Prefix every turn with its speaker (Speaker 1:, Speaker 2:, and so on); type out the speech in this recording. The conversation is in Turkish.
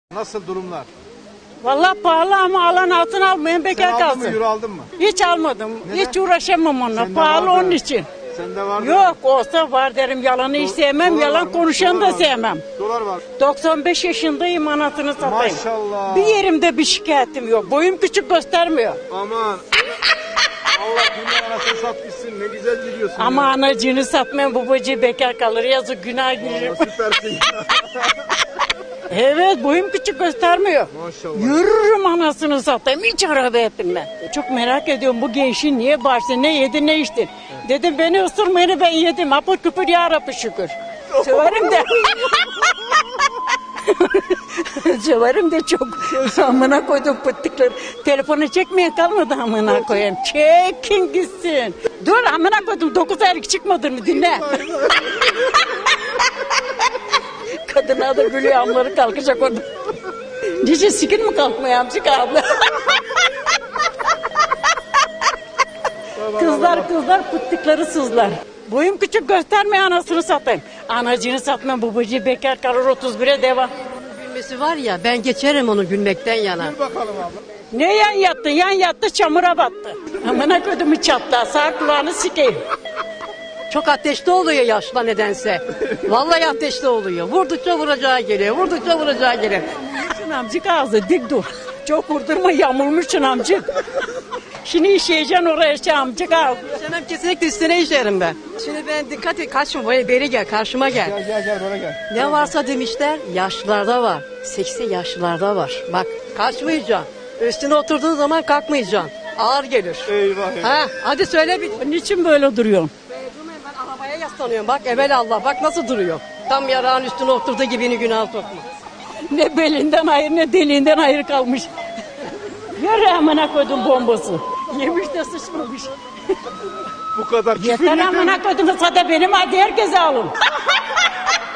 Speaker 1: Nasıl durumlar?
Speaker 2: Vallahi pahalı ama alan altın almayın,
Speaker 1: Sen
Speaker 2: bekar
Speaker 1: aldın mı,
Speaker 2: kalsın.
Speaker 1: euro aldın mı?
Speaker 2: Hiç almadım.
Speaker 1: Neden?
Speaker 2: Hiç uğraşamam onunla.
Speaker 1: Sende
Speaker 2: Pahalı
Speaker 1: vardı.
Speaker 2: onun için.
Speaker 1: Sende vardı.
Speaker 2: Yok olsa var derim. Yalanı hiç sevmem.
Speaker 1: Dolar var
Speaker 2: Yalan
Speaker 1: mı?
Speaker 2: konuşanı
Speaker 1: Dolar
Speaker 2: da
Speaker 1: var mı?
Speaker 2: sevmem.
Speaker 1: Dolar var.
Speaker 2: 95 yaşındayım, anasını satayım.
Speaker 1: Maşallah.
Speaker 2: Bir yerimde bir şikayetim yok. Boyum küçük göstermiyor.
Speaker 1: Aman. Allah dünya anasını satmışsın. Ne güzel gidiyorsun.
Speaker 2: Ama
Speaker 1: ya.
Speaker 2: anacığını satmayan babacığı bekar kalır. Yazık, günah girer.
Speaker 1: Allah, süpersin.
Speaker 2: Evet, boyum küçük göstermiyor.
Speaker 1: Maşallah.
Speaker 2: Yürürüm anasını satayım. Hiç araba etmem. Çok merak ediyorum bu gençin niye bağırsın, ne yedi ne içti. Dedim beni ısırmayını ben yedim. Apır küpür ya Rabbi şükür. Severim de. Severim de çok. Amına koydum pıttıkları. Telefonu çekmeye kalmadı amına koyayım. Çekin gitsin. Dur amına koydum 9 aylık çıkmadın mı dinle. Kadına da gülüyor, amları kalkacak orada. Nice sikin mi kalkmıyor amcık abla? Kızlar pıttıkları sızlar. Boyum küçük gösterme, anasını satayım. Anacını satmam, babacığı bekar kalır, 31'e devam.
Speaker 3: Gülmesi var ya, ben geçerim onu gülmekten yana.
Speaker 1: Dur bakalım abla.
Speaker 2: Ne yan yattı? Yan yattı, çamura battı. Amına kodumu çatla, sağ kulağını sikeyim.
Speaker 3: Çok ateşli oluyor yaşla nedense. Vallahi ateşli oluyor. Vurdukça vuracağı geliyor, vurdukça vuracağı geliyor.
Speaker 2: Şun amcık ağzı dik dur. Çok vurdurma, yamulmuşsun amcık. Şimdi işeyeceksin oraya şey amcık ağzı.
Speaker 3: Hemen kesinlikle üstüne işerim ben. Şimdi ben dikkat et, kaçma, böyle beri gel, karşıma gel.
Speaker 1: Gel böyle gel.
Speaker 3: Ne varsa demişler, yaşlılarda var. Seksi yaşlılarda var. Bak, kaçmayacaksın. Üstüne oturduğun zaman kalkmayacaksın. Ağır gelir.
Speaker 1: Eyvah eyvah.
Speaker 3: Ha, hadi söyle bir.
Speaker 2: Niçin böyle duruyorsun?
Speaker 3: Ben arabaya yaslanıyorum. Bak evelallah, bak nasıl duruyor. Tam yarağın üstüne oturduğu gibini günah sokma.
Speaker 2: Ne belinden hayır ne deliğinden hayır kalmış. Yürü amına koydum bombası. Yemiş de sıçmamış.
Speaker 1: Bu kadar küfür
Speaker 2: Yeter
Speaker 1: yeter.
Speaker 2: amına koydum, sada benim hadi herkese alın.